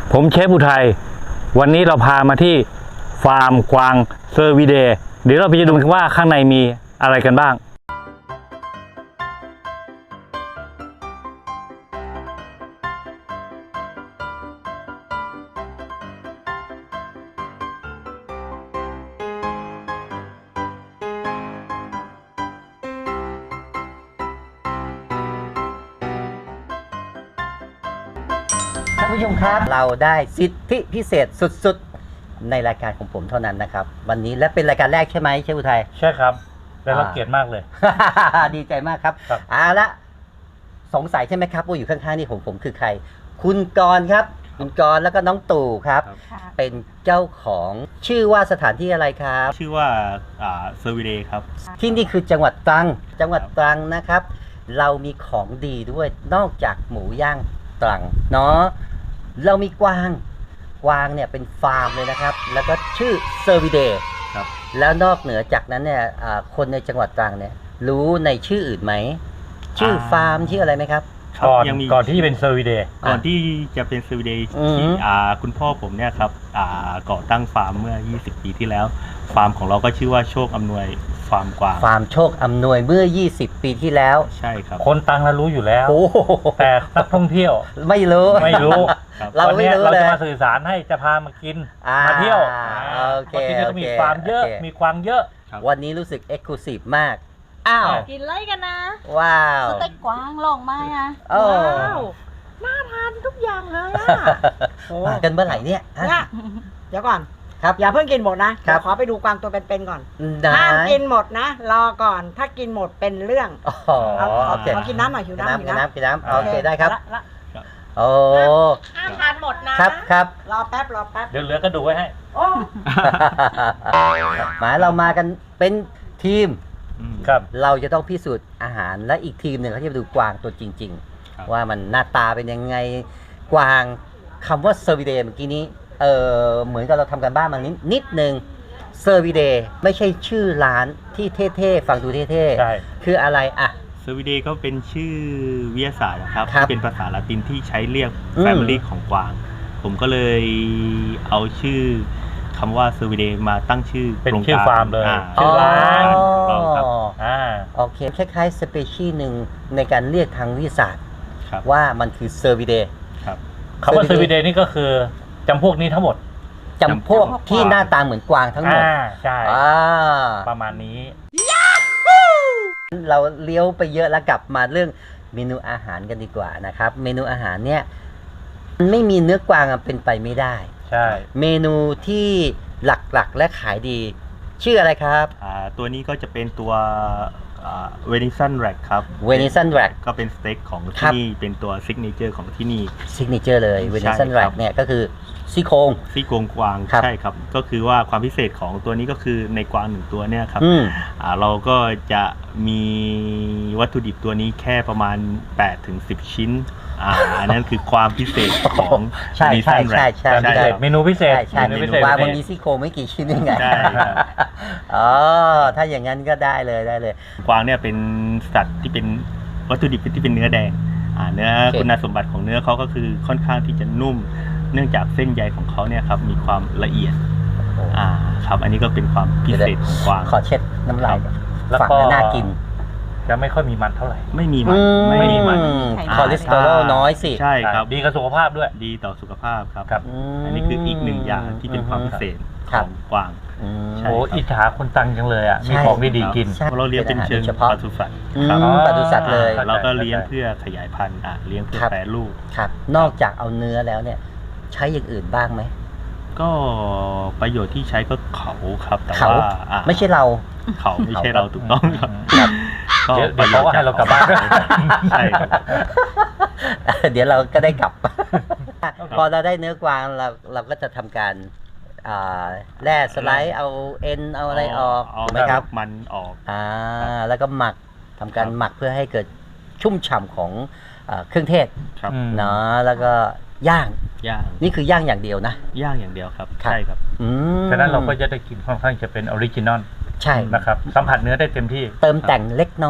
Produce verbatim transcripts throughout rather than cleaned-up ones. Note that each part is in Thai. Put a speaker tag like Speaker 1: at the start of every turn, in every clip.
Speaker 1: ผมเชฟอุทัยวันนี้เราพามาที่ฟาร์มกวางเซอร์วิเดย์เดี๋ยวเราไปดูกันว่าข้างในมีอะไรกันบ้าง
Speaker 2: ท่านผู้ชมครับเราได้สิทธิพิเศษสุดๆในรายการของผมเท่านั้นนะครับวันนี้และเป็นรายการแรกใช่ไหมเชฟอุทัย
Speaker 1: ใช่ครับและเราเกียรติมากเลย
Speaker 2: ดีใจมากครับ
Speaker 1: ครับ
Speaker 2: เอาละสงสัยใช่ไหมครับว่าอยู่ข้างๆนี่ผมผมคือใครคุณกรณ์ครับคุณกรณ์แล้วก็น้องตู่ครับ เป็นเจ้าของชื่อว่าสถานที่อะไรครับ
Speaker 3: ชื่อว่าอ่าเซอร์วิเดย์ครับ
Speaker 2: ที่นี่คือจังหวัดตรังจังหวัดตรังนะครับ เรามีของดีด้วยนอกจากหมูย่างตรังเนาะเรามีกวางกวางเนี่ยเป็นฟาร์มเลยนะครับ แล้วก็ชื่อเซอร์วิเดย์
Speaker 3: ครับ
Speaker 2: แล้วนอกเหนือจากนั้นเนี่ยอ่าคนในจังหวัดตรังเนี่ยรู้ในชื่ออื่นไหมชื่อฟาร์มชื่ออะไรไหมครับ
Speaker 1: ก่อน
Speaker 3: ยังมี
Speaker 1: ก่อนที่จะเป็นเซอร์วิเดย์
Speaker 3: ก่อนที่จะเป็นเซอร์วิเดย์
Speaker 2: อืม
Speaker 3: ที่อ่าคุณพ่อผมเนี่ยครับอ่าก่อตั้งฟาร์มเมื่อ ยี่สิบ ปีที่แล้ว ฟาร์มของเราก็ชื่อว่าโชคอำนวยฟาร์มกวาง
Speaker 2: ฟาร์มโชคอำนวยเมื่อ ยี่สิบ ปีที่แล้ว
Speaker 3: ใช่ครับ
Speaker 1: คนตังเรารู้อยู่แล้ว
Speaker 2: โอ้โห
Speaker 1: แต่นักท่องเที่ยว
Speaker 2: ไม่รู้
Speaker 1: ไม่รู้
Speaker 3: ครับ
Speaker 2: เราไม่รู้
Speaker 1: วันนี้
Speaker 2: เลย
Speaker 1: เราจะมาสื่อสารให้จะพามากิน
Speaker 2: อ่า
Speaker 1: มาเที่ยว
Speaker 2: โอเค
Speaker 1: พราะที่นี่ก็มี
Speaker 2: โอเค
Speaker 1: ฟาร์มเยอะ
Speaker 2: โอเค
Speaker 1: มีกวางเยอะ
Speaker 3: ครับ
Speaker 2: วันนี้รู้สึกเอ็กซ์คลูซีฟมาก อ้าว
Speaker 4: กินเลยกันนะ
Speaker 2: ว้าว
Speaker 4: สเต็กกวางลองมาอ่ะ
Speaker 2: โอ้
Speaker 4: ว้าวน่าทานทุกอย่างเลยอ่ะ
Speaker 2: มากันเมื่อไหร่เนี่ยฮะ
Speaker 5: เนี่ยเดี๋ยวก่อน
Speaker 2: ครับ
Speaker 5: อย่าเพิ่งกินหมดนะครับ เดี๋ยวขอไปดูกวางตัวเป็นๆก่อน
Speaker 2: ได้
Speaker 5: ห้ามกินหมดนะ รอก่อนถ้ากินหมดเป็นเรื่อง
Speaker 2: อ๋อ
Speaker 5: เอา
Speaker 2: โอเค
Speaker 5: ขอกินน้ำหน่อยหิว
Speaker 2: กิน
Speaker 5: น้ำหิ
Speaker 2: น้ำ
Speaker 5: ว
Speaker 2: กิน
Speaker 5: น้ำ
Speaker 2: น้ำกินน้ำโอเคได้ครับ
Speaker 5: ละละ
Speaker 2: โอ้
Speaker 4: ห้ามทานหมดนะครับ
Speaker 2: ครับ
Speaker 5: รอแป๊บรอแป๊บ
Speaker 1: เดี๋ยวเหลือกระดูกไว้ให้
Speaker 5: โอ้
Speaker 2: หมายเรามากันเป็นทีม
Speaker 3: อืม
Speaker 1: ครับ
Speaker 2: เราจะต้องพิสูจน์อาหารและอีกทีมหนึ่งเขาจะไปดูกวางตัวจริง
Speaker 3: ครับ
Speaker 2: ๆ ว่ามันหน้าตาเป็นยังไงกวางคำว่าเซอร์วิเดย์เมื่อกี้นี้เออเหมือนกับเราทำกันบ้านมานิดนิดนึงเซอร์วิเดย์ไม่ใช่ชื่อร้านที่เท่ๆฟังดูเท่
Speaker 1: ใช่
Speaker 2: ๆคืออะไรอ่ะ
Speaker 3: เซอร์วิเดย์ก็เป็นชื่อวิทยาศาสตร์นะครับ
Speaker 2: ครับ
Speaker 3: ที่เป็นภาษาละตินที่ใช้เรียก
Speaker 2: อืม
Speaker 3: แฟมิลี่ของกวาง ผมก็เลยเอาชื่อคำว่าเซอร์วิเดย์มาตั้งชื่อ
Speaker 1: เป็น
Speaker 3: โครง
Speaker 1: ชื่อ
Speaker 3: การ
Speaker 1: ฟาร์มเลย
Speaker 3: อ่
Speaker 1: ชื่อร้าน
Speaker 3: ของเราครับ
Speaker 1: อ่า
Speaker 2: โอเคคล้ายๆสเปเชียลหนึ่งในการเรียกทางวิทยาศาสตร์
Speaker 3: ครับ
Speaker 2: ว่ามันคือเซอร์วิเดย์
Speaker 3: ครับ
Speaker 1: คำว่าเซอร์วิเดย์นี่ก็คือจำพวกนี้ทั้งหมด
Speaker 2: จำพวกที่หน้าตาเหมือนกวางทั้งหมด
Speaker 1: อ่าใช่
Speaker 2: อ่า
Speaker 1: ประมาณนี้
Speaker 2: เราเลี้ยวไปเยอะแล้วกลับมาเรื่องเมนูอาหารกันดีกว่านะครับ เมนูอาหารเนี่ยมันไม่มีเนื้อกวางอะเป็นไปไม่ได้
Speaker 1: ใช่
Speaker 2: เมนูที่หลักๆและขายดี ชื่ออะไรครับ
Speaker 3: อ่าตัวนี้ก็จะเป็นตัวเวนิสันแร็กครับ
Speaker 2: เวนิสันแร็ก
Speaker 3: ก็เป็นสเต็กของ
Speaker 2: ครั
Speaker 3: ที่
Speaker 2: บ
Speaker 3: นี่เป็นตัวซิกเนเจอร์ของที่นี่
Speaker 2: ซิกเนเจอร์เลยเวนิสัน
Speaker 3: ใช่
Speaker 2: แร็
Speaker 3: ครั
Speaker 2: ก
Speaker 3: บ
Speaker 2: เนี่ยก็คือซี่โครง
Speaker 3: ซี่โครงกวาง
Speaker 2: ครับ
Speaker 3: ใช่ครับ ก็คือว่าความพิเศษของตัวนี้ก็คือในกวางหนึ่งตัวเนี่ยครับ
Speaker 2: อืม
Speaker 3: อ่าเราก็จะมีวัตถุดิบตัวนี้แค่ประมาณ แปดถึงสิบ ชิ้นอ่าอันนั้นคือความพิเศษของ
Speaker 2: ใช่ใช่
Speaker 3: Venison
Speaker 2: ใช่
Speaker 3: Rack
Speaker 2: ใช่
Speaker 1: แต่พิเศษ
Speaker 3: ครับ
Speaker 1: เมนูพิเศษ
Speaker 2: ใช่ใช่
Speaker 1: เมนูพิเศษ
Speaker 2: วางมันมีซี่โครงไม่กี่ชิ้นยังไง
Speaker 3: ใช่ครับ
Speaker 2: อ๋อถ้าอย่างนั้นก็ได้เลยได้เลย
Speaker 3: กวางเนี่ยเป็นสัตว์ที่เป็นวัตถุดิบที่เป็นเนื้อแดงอ่าเนื้อ
Speaker 2: โอเค
Speaker 3: คุณสมบัติของเนื้อเขาก็คือค่อนข้างที่จะนุ่ม เนื่องจากเส้นใยของเขาเนี่ยครับมีความละเอียดอ่าครับอันนี้ก็เป็นความพิเศษของกวาง
Speaker 2: ขอเช็ดน้ำลาย
Speaker 1: แล้ว
Speaker 2: ฝั่ง
Speaker 1: ก็
Speaker 2: นั้นน่ากิน
Speaker 1: จะไม่ค่อยมีมันเท่าไหร่
Speaker 3: ไม่มีมันไม่มีมัน
Speaker 2: คอเลสเตอรอลน้อยสิ
Speaker 3: ใช่ครับ
Speaker 1: ดีกับสุขภาพด้วย
Speaker 3: ดีต่อสุขภาพครับ
Speaker 1: ครับ
Speaker 2: ม
Speaker 3: อันนี้คืออีกหนึ่งอย่างที่เป็นความพิเศษ
Speaker 2: ครั
Speaker 3: ข
Speaker 2: บ
Speaker 3: องกวาง
Speaker 2: อืม
Speaker 3: ใช่
Speaker 1: โอ้
Speaker 3: ครับ
Speaker 1: อิจฉาคนตังจังเลยอ่ะ
Speaker 2: ใช่
Speaker 1: มีของดีๆกิน
Speaker 2: ใช่
Speaker 3: เพราะเราเลี้ยงเป็นเชิง
Speaker 2: เป็นอาหารโดยเฉพาะ
Speaker 3: ปศุสัตว์
Speaker 2: อืม
Speaker 3: ครับ
Speaker 2: ปศุสัตว์เลย
Speaker 1: เข้าใจ
Speaker 3: เราก็เลี้ยงเพื่อขยายพันธุ์อ่ะเลี้ยงเพื่อ
Speaker 2: ครับ
Speaker 3: แปรรูป
Speaker 2: ครับ นอกจากเอาเนื้อแล้วเนี่ย ใช้อย่างอื่นบ้างไหม
Speaker 3: ก็ประโยชน์ที่ใช้ก็เขาครับแต่
Speaker 2: เขา
Speaker 3: ว่าอ่ะ
Speaker 2: ไม่ใช่เรา
Speaker 3: เขาไม่ใช่เราถูกต้องครับ
Speaker 2: ครับ
Speaker 3: ก็
Speaker 1: เดี๋ยวเดี๋ยวเขาก็ให้เรากลับบ้าน
Speaker 3: ใช่ครับ
Speaker 2: เดี๋ยวเราก็ได้กลับ พอเราได้เนื้อกวางเราเราก็จะทำการอ่าแร่สไลด์เอาเอ็นเอาอะไรออก
Speaker 3: เอา
Speaker 2: ถูกไหมครับ
Speaker 3: มันออก
Speaker 2: อ่าแล้วก็หมักทำการ
Speaker 3: ครับ
Speaker 2: หมักเพื่อให้เกิดชุ่มฉ่ำของเอ่อเครื่องเทศ
Speaker 3: ครับ
Speaker 1: อืม
Speaker 2: เนาะแล้วก็ย่าง
Speaker 3: ย่าง
Speaker 2: นี่คือย่างอย่างเดียวนะ
Speaker 3: ย่างอย่างเดียวครับ
Speaker 2: ครับ
Speaker 3: ใช่ครับ
Speaker 2: อืม
Speaker 1: ฉะนั้นเราก็จะได้กินค่อนข้างจะเป็นออริจินอล
Speaker 2: ใช่
Speaker 1: นะครับสัมผัสเนื้อได้เต็มที่
Speaker 2: เติมแต่งเล็กน้อย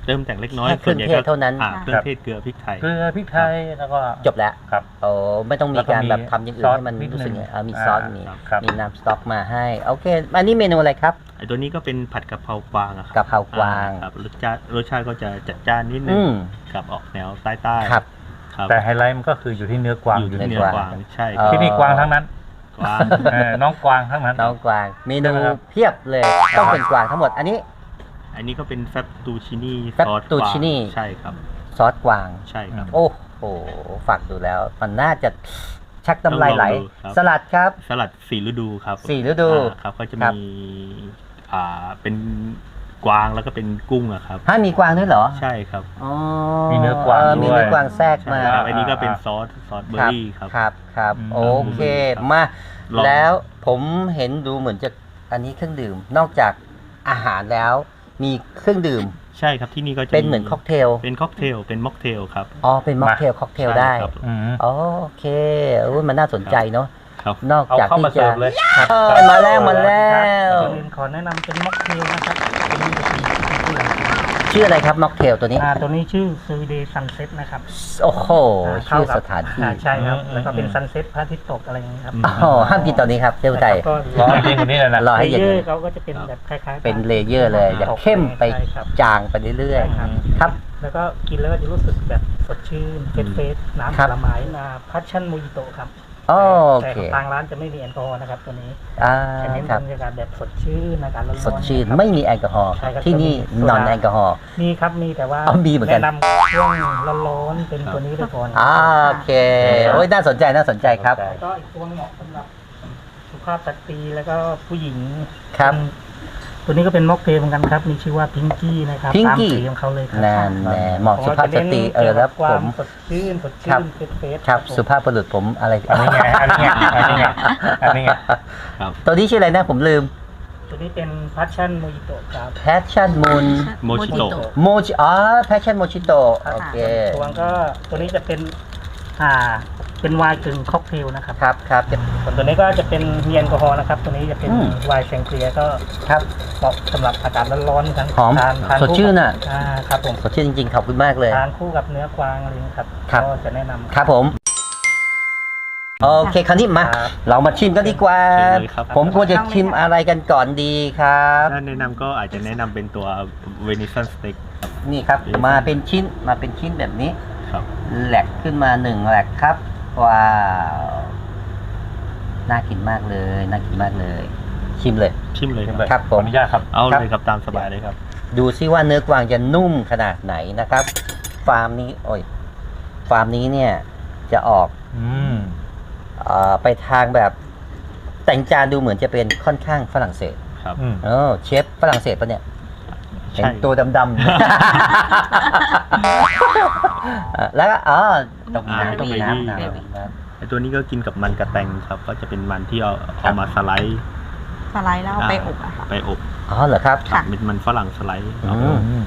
Speaker 3: เติมแต่งเล็กน้อย
Speaker 2: แค่เครื่องเทศเท่านั้น
Speaker 3: อ่เครื่องเทศเกลือพริกไทย
Speaker 1: เกลือพริกไทยแล้วก็
Speaker 2: จบแล้ว
Speaker 1: ครับ
Speaker 2: โอ้ไม่ต้องมี
Speaker 1: แล้วก็
Speaker 2: การ
Speaker 1: มี
Speaker 2: แบบทำอย่างอื่
Speaker 1: ซ
Speaker 2: น
Speaker 1: อส
Speaker 2: ให้มัน
Speaker 1: นิด
Speaker 2: รู้สึก
Speaker 1: นึง
Speaker 2: ไงเออมี
Speaker 1: อ่า
Speaker 2: ซอสมี
Speaker 1: ครับ
Speaker 2: มีน้ำสต๊อกมาให้โอเคอันนี้เมนูอะไรครับ
Speaker 3: ไอตัวนี้ก็เป็นผัดกะเพรากวางอะครั
Speaker 2: กะเพรากวาง
Speaker 3: อ่ครับรสชาติรสชาติก็จะจัดจ้านนิดนึ
Speaker 2: อื
Speaker 3: ง
Speaker 2: ม
Speaker 3: กับออกแนวใต้ใต้ๆ
Speaker 2: ครับ
Speaker 3: ครับ
Speaker 1: แต่ไฮไลท์มันก็คืออยู่ที่เนื้อกวาง
Speaker 3: อยู่ที่
Speaker 2: เนื้
Speaker 3: เนื้
Speaker 2: อ
Speaker 3: อก
Speaker 2: วาง
Speaker 3: วางใช่
Speaker 2: เอ่อ
Speaker 1: ที่นี่กวางทั้งนั้น
Speaker 3: กวาง
Speaker 1: เออน้องกวางทั้งนั้น
Speaker 2: น้องกวางเมนู
Speaker 1: ใช่ไหมครับ
Speaker 2: เพียบเลยต้องเป็นกวางทั้งหมดอันนี้
Speaker 3: อันนี้ก็เป็นแฟตตูชินี่
Speaker 2: แฟตตูชินี่
Speaker 3: ใช่ครับ
Speaker 2: ซอสกวาง
Speaker 3: ใช่ครับ
Speaker 2: โอ้โหฝักดูแล้ว มันน่าจะชักน้ำลายไหล
Speaker 3: ต้องลองดูครับ
Speaker 2: สลัดครับ
Speaker 3: สลัดสี่ฤดูครับ
Speaker 2: สี่ฤดู
Speaker 3: อ่าครับก็จะ
Speaker 2: ครับ
Speaker 3: มีอ่าเป็นกวางแล้วก็เป็นกุ้งอะครับ
Speaker 2: ฮะมีกวางด้วยเหรอ
Speaker 3: ใช่ครับ
Speaker 2: อ๋อ
Speaker 1: มีเนื้อกวาง
Speaker 2: มี
Speaker 1: ด้วย
Speaker 2: เนื้อกวางแทรก
Speaker 3: ใช่
Speaker 2: มา
Speaker 3: ครับ
Speaker 1: อ่า
Speaker 3: อันนี้ก็เป็น
Speaker 1: อ่า
Speaker 3: ซอสซอสเบอ
Speaker 2: ค
Speaker 3: ร์
Speaker 2: รับ
Speaker 3: รี่ครับ
Speaker 2: ครับครับ
Speaker 1: อืม
Speaker 2: โอเค
Speaker 3: ครับ
Speaker 2: มา
Speaker 3: ลอง
Speaker 2: แล้วผมเห็นดูเหมือนจะอันนี้เครื่องดื่ม นอกจากอาหารแล้ว มีเครื่องดื่ม
Speaker 3: ใช่ครับที่นี่ก็จะ
Speaker 2: เป็นเหมือนค็อกเทล
Speaker 3: เป็นค็อกเทลเป็นม็อกเทลครับ
Speaker 2: อ๋อเป็นม็อกเทลค็อกเทล
Speaker 3: ใช่
Speaker 2: ได้
Speaker 3: ครับ
Speaker 1: อืม
Speaker 2: อ๋อโอเคโอ้ยมันน่าสนใจเนาะ
Speaker 3: ครับ
Speaker 2: นอก
Speaker 1: เอา
Speaker 2: จาก
Speaker 1: เข้า
Speaker 2: ที่
Speaker 1: มาเสิ
Speaker 2: จะ
Speaker 1: ร์ฟเลย
Speaker 2: เออมาแล้วมาแล้ว
Speaker 6: ก่อนอื่นขอแนะนำเป็นม็อกเทลนะครับตัวนี้จะเป็นชื่ออะไร
Speaker 2: ชื่ออะไรครับม็อกเทลตัวนี้
Speaker 6: อ่าตัวนี้ชื่อซูเดย์ซันเซ็ตนะครับ
Speaker 2: โอ้โห
Speaker 6: า
Speaker 2: ชื่อ
Speaker 6: เข้กับ
Speaker 2: สถานที่
Speaker 6: อ่าใช่ครับ
Speaker 1: อืม
Speaker 6: แล้วก็เป็น
Speaker 1: อืม
Speaker 6: ซันเซ็ตพระอาทิตย์ตกอะไรอย่างนี้ยครับ
Speaker 2: อ๋อห้ามกินตอนนี้ครับเจ้าไทย
Speaker 6: ก็
Speaker 1: รอให้เย็นกว่านี้เลยนะ
Speaker 2: รอให้
Speaker 6: เล
Speaker 2: เย็น
Speaker 6: เย
Speaker 2: ก
Speaker 6: อ
Speaker 2: ว่า
Speaker 6: ร์
Speaker 2: นี้
Speaker 6: เขาก็จะเป็นแบบคล้ายๆ
Speaker 2: เป็นเลเยอร์เลยอย่าเข้มไป
Speaker 6: ใช่ครับ
Speaker 2: จางไปเรื่อย
Speaker 6: ใช่ครับ
Speaker 2: ๆครับ
Speaker 6: แล้วก็กินแล้วก็จะรู้สึกแบบสดชื่นเฟรชเฟสน้ำ
Speaker 2: ครั
Speaker 6: ผ
Speaker 2: บ
Speaker 6: ลไม้นาพัชชั่นโมจิโตครับ
Speaker 2: โอ
Speaker 6: แต่
Speaker 2: เค
Speaker 6: ทางร้านจะไม่มีแอลกอฮอล์นะครับตัวนี้
Speaker 2: อ่า
Speaker 6: จะเน้น
Speaker 2: ครับ
Speaker 6: บรรยากาศแบบสดชื่นอากาศร้อนๆ
Speaker 2: สดชื่น
Speaker 6: นะครับ
Speaker 2: ไม่มีแอลกอฮอล์
Speaker 6: ใช่ครับ
Speaker 2: ที่นี่
Speaker 6: จะมีโซ
Speaker 2: นอน
Speaker 6: ดา
Speaker 2: แอลกอฮอล์
Speaker 6: มีครับมีแต่ว่า
Speaker 2: อ๋อมีเหมือนกัน
Speaker 6: แนะนำช่วงร้อนๆเป็นตัวนี้ไปก่อน
Speaker 2: อ่าโอเคโอ้ยน่าสนใจน่าสนใจครับ
Speaker 6: แล้วก็อีกตัวเหมาะสำหรับสุภาพสตรีแล้วก็ผู้หญิง
Speaker 2: ครับ
Speaker 6: ตัวนี้ก็เป็นม็อกเทลเหมือนกันครับ มีชื่อว่าพิงกี้นะครับ
Speaker 2: Pinky
Speaker 6: ตามสีของเขาเลยครั
Speaker 2: แน่แน่เหมาะสุภาพสตรีเออแล้ว
Speaker 6: ควา
Speaker 2: ผม
Speaker 6: สดชื่นสด
Speaker 2: ครั
Speaker 6: ชื่
Speaker 2: บ
Speaker 6: นเฟสเฟส
Speaker 2: ครับสุภาพบุรุษผมอะไร
Speaker 1: อันนี้ไงอันนี้ไงอันนี้ไงอันนี้ไง
Speaker 3: ครับ
Speaker 2: ตัวนี้ชื่ออะไรนะผมลืม
Speaker 6: ตัวนี้เป็นพัชชั่นโมจิโตครับ
Speaker 2: Passion Moon
Speaker 3: โมชิโตะ
Speaker 2: โมจิอ๋อ Passion Mojito โอเค
Speaker 6: ตัวก็ตัวนี้จะเป็นอ่าเป็นไวน์กึ่งค็อกเทลนะครับ
Speaker 2: ครับครับ
Speaker 6: ส่วนตัวนี้ก็จะเป็นมีแอลกอฮอล์นะครับ ตัวนี้จะเป็น
Speaker 2: อืม
Speaker 6: ไวน์แชงเกลียก็
Speaker 2: ครับ
Speaker 6: เหมาะสำหรับอากาศร้อนๆทั้ง
Speaker 2: หอม
Speaker 6: ทานทาน
Speaker 2: สดชื่นอ่ะ
Speaker 6: อ่าครับผม
Speaker 2: สดชื่นจริงๆ ขอบคุณมากเลย
Speaker 6: ทานคู่กับเนื้อกวางอะไรอย่างนี้ครับ
Speaker 2: ครับ
Speaker 6: ก็จะแนะนำ
Speaker 2: ครับผม โอเคคราวนี้มา
Speaker 6: ครับ
Speaker 2: เรามาชิมกันดีกว่า
Speaker 3: เชิญเลยครับ
Speaker 2: ผมควรจะชิมอะไรกันก่อนดีครับ
Speaker 3: ถ้าแนะนำก็อาจจะแนะนำเป็นตัวเวนิสันสเต็กครับ
Speaker 2: นี่ครับ มาเป็นชิ้นมาเป็นชิ้นแบบนี้
Speaker 3: ครับ
Speaker 2: แหลกขึ้นมาหนึ่งแหลกครับ ว้าวน่ากินมากเลยน่ากินมากเลย ชิมเลย
Speaker 3: ชิมเลยครับ
Speaker 2: ครับผม
Speaker 1: ขออนุญาตครับ
Speaker 3: เอา
Speaker 2: ครับ
Speaker 3: เลยครับตามสบายเลยครับ
Speaker 2: ดูซิว่าเนื้อกวางจะนุ่มขนาดไหนนะครับ ฟาร์มนี้ โอ้ย ฟาร์มนี้เนี่ย จะออก
Speaker 1: อืม
Speaker 2: เอ่อไปทางแบบ แต่งจานดูเหมือนจะเป็นค่อนข้างฝรั่งเศส
Speaker 3: ครับ
Speaker 1: อืม
Speaker 2: เออเชฟฝรั่งเศสปะเนี่ย เห็น
Speaker 3: ใช่
Speaker 2: ตัวดำๆ แล้วก็อ๋อต้องมีน้ำต้องมีน้ำน้ำต้องมีน้ำ
Speaker 3: ไอตัวนี้ก็กินกับมันกระแตงครับ ก็จะเป็นมันที่เอาเอามาสไลด์
Speaker 4: สไลด์แล้วเอาไปอบอะค่ะ
Speaker 3: ไปอบ
Speaker 2: อ๋อเหรอครับ
Speaker 3: ครับเป็นมันฝรั่งสไลด์
Speaker 2: อื
Speaker 3: เอา
Speaker 2: ม
Speaker 1: อืม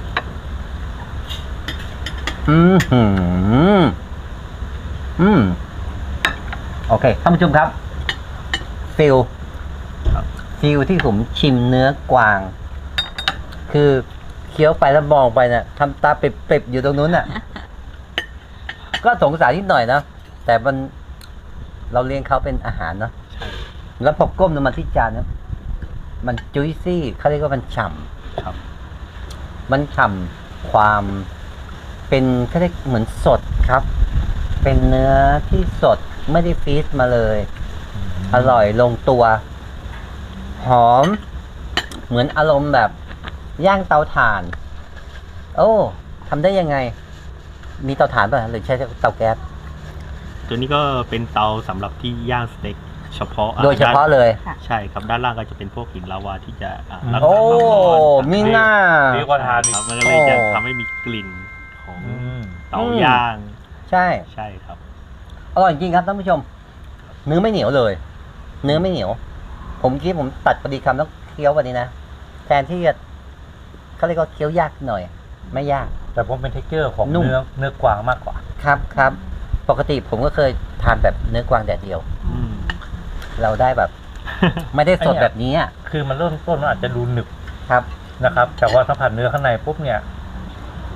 Speaker 2: อืมหืมอืมโอเคท่านผู้ชมครับ ฟิล
Speaker 3: ครับ
Speaker 2: ฟิลที่ผมชิมเนื้อกวาง คือเคี้ยวไปแล้วมองไปน่ะทำตาเปริบๆอยู่ตรงนู้นน่ะ ก็สงสารนิดหน่อยนะแต่มันเราเลี้ยงเขาเป็นอาหารเนาะ
Speaker 3: ใช่
Speaker 2: แล้วพอก้มลงมาที่จานเนี่ยมันจุยซี่เขาเรียกว่ามันฉ่
Speaker 3: ครับ
Speaker 2: ำมันฉ่ำความเป็นเขาเรียกเหมือนสดครับ เป็นเนื้อที่สดไม่ได้ฟรีซมาเลย อร่อยลงตัว หอม เหมือนอารมณ์แบบย่างเตาถ่าน โอ้ทำได้ยังไง มีเตาถ่านป่ะหรือใช้เตาแก๊ส
Speaker 3: ตัวนี้ก็เป็นเตาสำหรับที่ย่างสเต็กเฉพาะอ่
Speaker 2: โดยเฉพาะ
Speaker 3: ด้น
Speaker 2: เลย
Speaker 3: ใช่ครับด้านล่างก็จะเป็นพวกหินลาวาที่จะอ่ารับ
Speaker 2: โอ้
Speaker 3: ความร้อน
Speaker 2: มีหน้า
Speaker 1: ดีกว่าทานอีก
Speaker 3: ครับมันก็เลยจะ
Speaker 2: โอ้
Speaker 3: ทำให้มีกลิ่นของ
Speaker 1: อืม
Speaker 3: เตาย่าง
Speaker 2: ใช่
Speaker 3: ใช่ครับ
Speaker 2: อร่อยจริงครับท่านผู้ชม เนื้อไม่เหนียวเลย เนื้อไม่เหนียว ผมคิดผมตัดพอดีคำแล้วเคี้ยววันนี้นะ แทนที่จะเขาเรียกว่าเคี้ยวยากหน่อย ไม่ยาก
Speaker 1: แต่ผมเป็นเทคเจอร์ของ
Speaker 2: นุ่ม
Speaker 1: เนื้อเนื้อกวางมากกว่า
Speaker 2: ครับครับ ปกติผมก็เคยทานแบบเนื้อกวางแดดเดียว
Speaker 3: อืม
Speaker 2: เราได้แบบ ไม่ได้สด
Speaker 1: ไอ้เนี่ย
Speaker 2: แบบนี้อะ
Speaker 1: คือมันเริ่มต้นมันอาจจะดูหนึบ
Speaker 2: ครับ
Speaker 1: นะครับ แต่ว่าสัมผัสเนื้อข้างในปุ๊บเนี่ย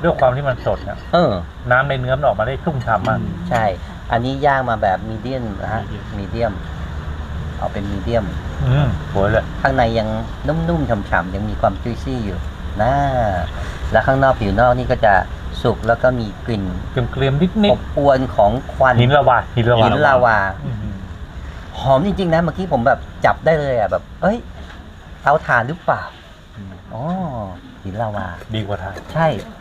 Speaker 1: ด้วยความที่มันสดเนี่ย
Speaker 2: เออ
Speaker 1: น้ำในเนื้อมันออกมาได้ชุ่มฉ่ำมาก
Speaker 2: ใช่ อันนี้ย่างมาแบบมีเดียมนะฮะ มีเดียม เอาเป็นมีเดียม
Speaker 1: อืมสวยเลย
Speaker 2: ข้างในยังนุ่มๆฉ่ำๆยังมีความจุยซี่อยู่นะแล้วข้างนอกผิวนอกนี่ก็จะสุกแล้วก็มีกลิ่น
Speaker 1: เกลียมๆนิดนิ
Speaker 2: อ
Speaker 1: ด
Speaker 2: บอวนของควัน
Speaker 1: หินละวาหินละวา
Speaker 2: หินลาวา
Speaker 1: อืม
Speaker 2: หอมจริงๆนะเมื่อกี้ผมแบบจับได้เลยอ่ะแบบ เอ้ยเตาถ่านหรือเปล่า
Speaker 3: อืม
Speaker 2: อ๋อหินลาวา
Speaker 1: ดีกว่าทาน
Speaker 2: ใช่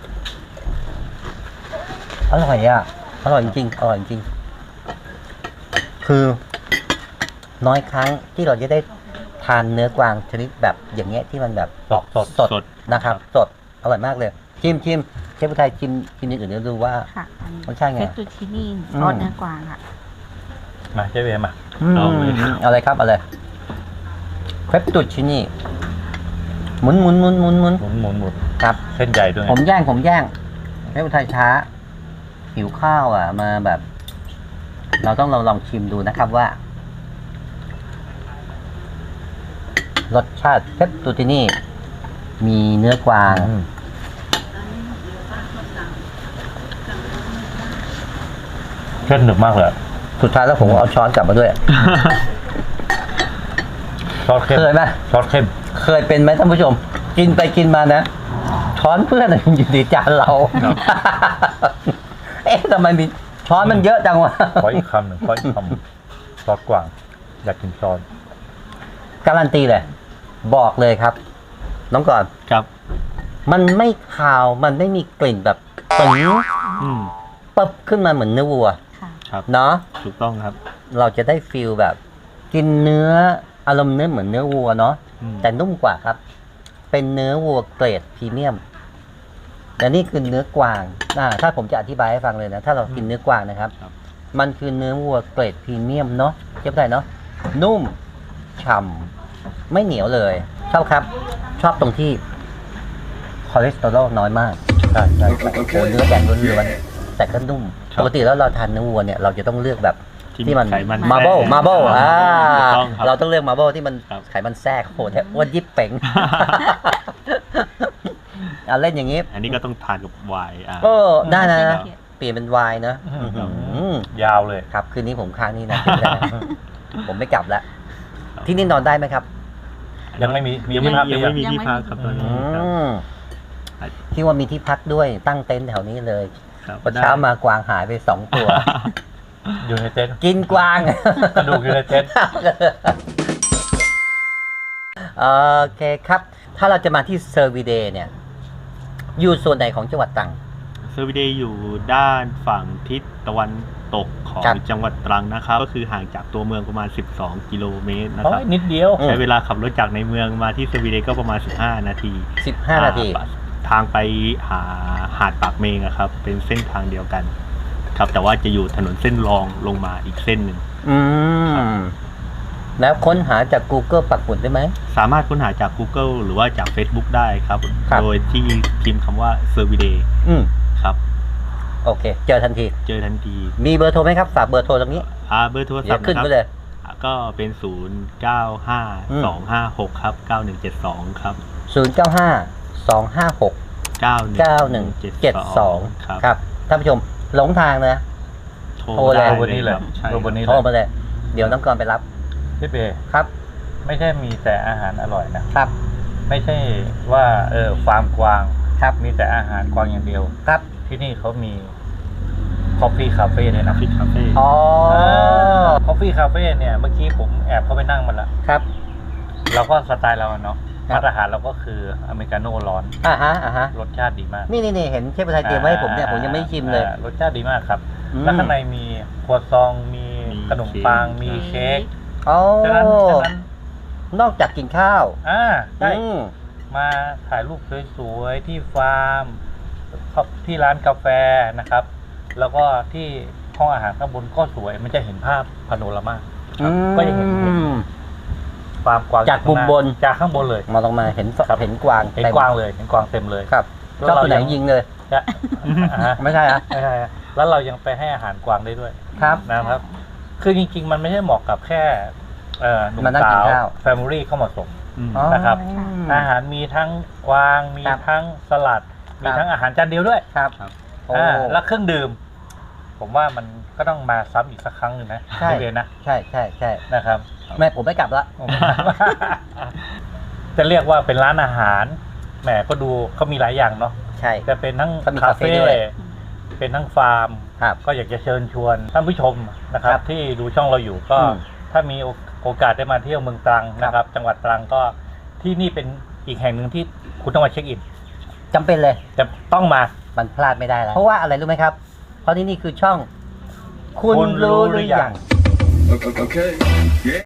Speaker 2: อร่อยอ่ะ อร่อยจริงๆอร่อยจริงๆคือ น้อยครั้งที่เราจะได้ทานเนื้อกวางชนิดแบบอย่างเงี้ยที่มันแบบ
Speaker 1: สดสด
Speaker 2: สด
Speaker 3: สด
Speaker 2: นะครับ สด อร่อยมากเลย ชิมชิมเชฟผู้ไทยชิมชิมอย่างอื่นแล้วดูว่า
Speaker 4: ค่ะอันนี้
Speaker 2: รสชาติไง
Speaker 4: เฟตตูชินี่
Speaker 2: อืม
Speaker 4: ซอสเนื้อกวางค่ะ
Speaker 1: มาเจ๊เวมา
Speaker 3: เอาเลย
Speaker 2: เอาเลยครับเอาเลยเครปตุชินี่หมุนหมุนหมุนหมุนหมุน
Speaker 1: หมุนหมุนหมุน
Speaker 2: ครับ
Speaker 6: เส้นใหญ่ด้วยไง
Speaker 2: ผมย่างผมย่างเชฟผู้ไทยช้า หิวข้าวอ่ะ มาแบบ เราต้องลองลองชิมดูนะครับว่า รสชาติเพปตูตินี่ มีเนื้อกวาง
Speaker 1: อืมเส้นหนึบมากเลยอะ
Speaker 2: สุดท้ายแล้วผมก็เอาช้อนกลับมาด้วย
Speaker 1: ซอสเข้ม
Speaker 2: เคยไหม
Speaker 1: ซอสเข้ม
Speaker 2: เคยเป็นไหมท่านผู้ชม กินไปกินมานะ ช้อนเพื่อนอะอยู่ในจานเรา เอ๊ะทำไมมีช้อนมันเยอะจังวะ
Speaker 1: ขออีกคำหนึ่งขออีกคำซอสกวาง อยากกินซอส
Speaker 2: การันตีเลย บอกเลยครับ น้องก่อน
Speaker 3: ครับ
Speaker 2: มันไม่คาวมันไม่มีกลิ่นแบบตึง
Speaker 3: อืม
Speaker 2: ปึ๊บขึ้นมาเหมือนเนื้อวัว
Speaker 4: ค่ะ
Speaker 3: ครับ
Speaker 2: เนาะ
Speaker 3: ถูกต้องครับ
Speaker 2: เราจะได้ฟีลแบบ กินเนื้ออารมณ์เนื้อเหมือนเนื้อวัวเนาะ
Speaker 3: อืม
Speaker 2: แต่นุ่มกว่าครับ เป็นเนื้อวัวเกรดพรีเมียมแต่นี่คือเนื้อกวางอ่าถ้าผมจะอธิบายให้ฟังเลยนะ ถ้าเรากินเนื้อกวางนะครับ
Speaker 3: ครับ
Speaker 2: มันคือเนื้อวัวเกรดพรีเมียมเนาะเจ็บได้เนาะ นุ่ม ฉ่ำ ไม่เหนียวเลย ชอบครับ ชอบตรงที่คอเลสเตอรอลน้อยมาก
Speaker 1: ใช่ใช่ใช่
Speaker 2: โอ้โหเนื้อแดงล้วนๆแต่ก็นุ่ม ปกติแล้วเราทานเนื้อวัวเนี่ย เราจะต้องเลือกแบบ ที่มัน
Speaker 3: ไขมัน
Speaker 2: มาร์เบิล
Speaker 3: แทรก
Speaker 2: มาร์เบิลอ่า
Speaker 3: ถูกต้องครับ
Speaker 2: เราต้องเลือกมาร์เบิลที่มัน
Speaker 3: ครับ
Speaker 2: ไขมันแทรกโหแต่อ้วนยิบเป่ง อ่ะเล่นอย่างนี้
Speaker 3: อันนี้ก็ต้องทานกับไวน์อ่า
Speaker 2: เออได้นะ
Speaker 4: ครับ
Speaker 2: เปลี่ยนเป็นไวน์นะ
Speaker 1: อื้อหือ
Speaker 2: อื้อหือย
Speaker 1: าวเลย
Speaker 2: ครับ คืนนี้ผมค้างนี่นะ ผมไม่กลับแล้ว ที่นี่นอนได้ไหมครับ
Speaker 1: ยังไม่มีมี
Speaker 3: ยังไม่
Speaker 1: ที่พัก
Speaker 3: ยังไม่มี
Speaker 4: ยังไม่
Speaker 3: ที่พักครับตอนนี้
Speaker 2: อื
Speaker 3: ครับ
Speaker 2: มที่ว่ามีที่พักด้วยตั้งเต็นท์แถวนี้เลย
Speaker 3: ครับ
Speaker 2: พอเช้ามากวางหายไปสองตัว
Speaker 1: อยู่ในเต็นท์
Speaker 2: กินกวาง
Speaker 1: กระดูกอยู่ในเต็นท์
Speaker 2: โอเคครับ ถ้าเราจะมาที่เซอร์วีเดย์เนี่ย อยู่ส่วนไหนของจังหวัดตรัง
Speaker 3: เซอร์วิเดย์อยู่ด้านฝั่งทิศตะวันตกของ
Speaker 2: ครับ
Speaker 3: จังหวัดตรังนะครับ ก็คือห่างจากตัวเมืองประมาณ สิบสอง กิโลเมตรนะ
Speaker 1: โอ้
Speaker 3: ครับ
Speaker 1: ยนิดเดียว
Speaker 2: อืม
Speaker 3: ใช้เวลาขับรถจากในเมืองมาที่เซอร์วิเดย์ก็ประมาณ สิบห้า นาที
Speaker 2: สิบห้านาที
Speaker 3: อ่ทางไปหาหาดปากเมงอะครับ เป็นเส้นทางเดียวกัน ครับ แต่ว่าจะอยู่ถนนเส้นรองลงมาอีกเส้นหนึ่ง
Speaker 2: อืม แล้วค้นหาจาก Google ปักหมุดได้ไหม
Speaker 3: สามารถค้นหาจาก Google หรือว่าจาก Facebook ได้ครับ
Speaker 2: ครับ
Speaker 3: โดยที่พิมพ์คำว่า เซอร์วิเดย์
Speaker 2: อืม
Speaker 3: ครับ
Speaker 2: โอเค เจอทันที
Speaker 3: เจอทันที
Speaker 2: มีเบอร์โทรไหมครับ ฝากเบอร์โทรตรงนี้
Speaker 3: อ่าเบอร์โทรศั
Speaker 2: เดี๋
Speaker 3: พ
Speaker 2: ยว
Speaker 3: ท์
Speaker 2: ขึ้น
Speaker 3: นะค
Speaker 2: ไป
Speaker 3: รับ
Speaker 2: เลย
Speaker 3: ก็เป็น ศูนย์ เก้า ห้า สอง ห้า หก ครับ เก้าหนึ่งเจ็ดสอง ครับ
Speaker 2: ศูนย์ เก้า ห้า สอง ห้า หก
Speaker 3: เก้าหนึ่ง
Speaker 2: เก้าหนึ่งเจ็ดสอง
Speaker 3: ครับ
Speaker 2: ครับ ท่านผู้ชม หลงทางนะ
Speaker 3: โทร
Speaker 2: โทรเลย
Speaker 3: ได้
Speaker 1: วันนี้เลย
Speaker 3: ครับใช่
Speaker 1: โทรวันนี้
Speaker 2: โทรมาเลย เดี๋ยวน้องกรไปรับ
Speaker 1: พี่เบย์
Speaker 2: ครับ
Speaker 1: ไม่ใช่มีแต่อาหารอร่อยนะ ครับ ไม่ใช่ว่าเออฟาร์มกวาง
Speaker 2: ครับ
Speaker 1: มีแต่อาหารกวางอย่างเดียว
Speaker 2: ครับ
Speaker 1: ที่นี่เขามีคอฟฟี่คาเฟ่ด้วยนะ
Speaker 3: ฟิตคาเฟ่
Speaker 2: อ๋อ
Speaker 1: คอฟฟี่คาเฟ่เนี่ยเมื่อกี้ผมแอบเข้าไปนั่งมันละ
Speaker 2: ครับ
Speaker 1: เราก็สไตล์เราอะเนาะ
Speaker 2: ครับ
Speaker 1: มาตรฐานเราก็คืออเมริกาโน่ร้อน
Speaker 2: อ่าฮะ อ่าฮะ
Speaker 1: รสชาติดีมาก
Speaker 2: นี่นี่นี่เห็นเชฟไทยเตรียมไว้ให้ผมเนี่ย ผมยังไม่ได้ชิมเลย
Speaker 1: อ่ารสชาติดีมากครับ
Speaker 2: อืม
Speaker 1: แล้วข้างในมีครัวซอง มีขนมปัง มีเค้ก
Speaker 2: อ๋อ
Speaker 1: ฉะนั้นฉะนั้น
Speaker 2: นอกจากกินข้าว
Speaker 1: อ่าได้
Speaker 2: อืม
Speaker 1: มาถ่ายรูปสวยๆที่ฟาร์มที่ร้านกาแฟนะครับ แล้วก็ที่ห้องอาหารข้างบนก็สวย มันจะเห็นภาพพาโนรามาครับก็จะเห็นเห็นฟาร์มกวาง
Speaker 2: จากมุมบน
Speaker 1: จากข้างบนเลย
Speaker 2: มาลงมาเห็น
Speaker 1: ครับ
Speaker 2: เห็นกวาง
Speaker 1: เห็น
Speaker 2: ต็ม
Speaker 1: กวางเลยเห็นกวางเต็มเลย
Speaker 2: ครับ
Speaker 1: แล้ว
Speaker 2: ชอบ
Speaker 1: เรา
Speaker 2: ตัวไหน
Speaker 1: ยัง
Speaker 2: ยิงเลย
Speaker 1: จะอ่าฮะ
Speaker 2: ไม่ใช่อะ
Speaker 1: ไม่ใช่ฮะแล้วเรายังไปให้อาหารกวางได้ด้วย
Speaker 2: ครับ
Speaker 1: นะครับ คือจริงๆ มันไม่ใช่เหมาะกับแค่เอ่อหนุ่ม
Speaker 2: มานั่ง
Speaker 1: สา
Speaker 2: กิน
Speaker 1: ว
Speaker 2: ข้าว
Speaker 1: แฟมิลี่เข้ามาส่ง
Speaker 3: อืม
Speaker 2: อ๋อ
Speaker 1: นะครับ
Speaker 2: อืม
Speaker 1: อาหารมีทั้งกวาง มี
Speaker 2: ครับ
Speaker 1: ทั้งสลัดมีทั้งอาหารจานเดียวด้วย
Speaker 2: ครับโอ้
Speaker 1: อ่าแล้วเครื่องดื่ม ผมว่ามันก็ต้องมาซ้ำอีกสักครั้งหนึ่งนะ
Speaker 2: ใช่
Speaker 1: ทุเรียนนะ
Speaker 2: ใช่ใช่ใช่
Speaker 1: นะครับ
Speaker 2: แม่ผมไม่กลับละ
Speaker 1: จะเรียกว่าเป็นร้านอาหารแหมก็ดูเขามีหลายอย่างเนาะ
Speaker 2: ใช่
Speaker 1: จะเป็นทั้ง
Speaker 2: เขามี
Speaker 1: คา
Speaker 2: คาเฟ่
Speaker 1: เฟ่
Speaker 2: ด้วย
Speaker 1: เป็นทั้งฟาร์ม
Speaker 2: ครับ
Speaker 1: ก็อยากจะเชิญชวนท่านผู้ชมนะครับ
Speaker 2: ครับ
Speaker 1: ที่ดูช่องเราอยู่ก็
Speaker 2: อืม
Speaker 1: ถ้ามีโอกาสได้มาเที่ยวเมืองตรังนะครับ จังหวัดตรังก็ที่นี่เป็นอีกแห่งหนึ่งที่คุณต้องมาเช็คอิน
Speaker 2: จำเป็นเลย
Speaker 1: จะต้องมา
Speaker 2: มันพลาดไม่ได้แล้ว เพราะว่าอะไรรู้ไหมครับ เพราะที่นี่คือช่อง คุณ
Speaker 1: คุณรู้
Speaker 2: รู้ห
Speaker 1: หรื
Speaker 2: รือ
Speaker 1: อยั
Speaker 2: ยัง
Speaker 1: ง
Speaker 7: Okay. Yeah.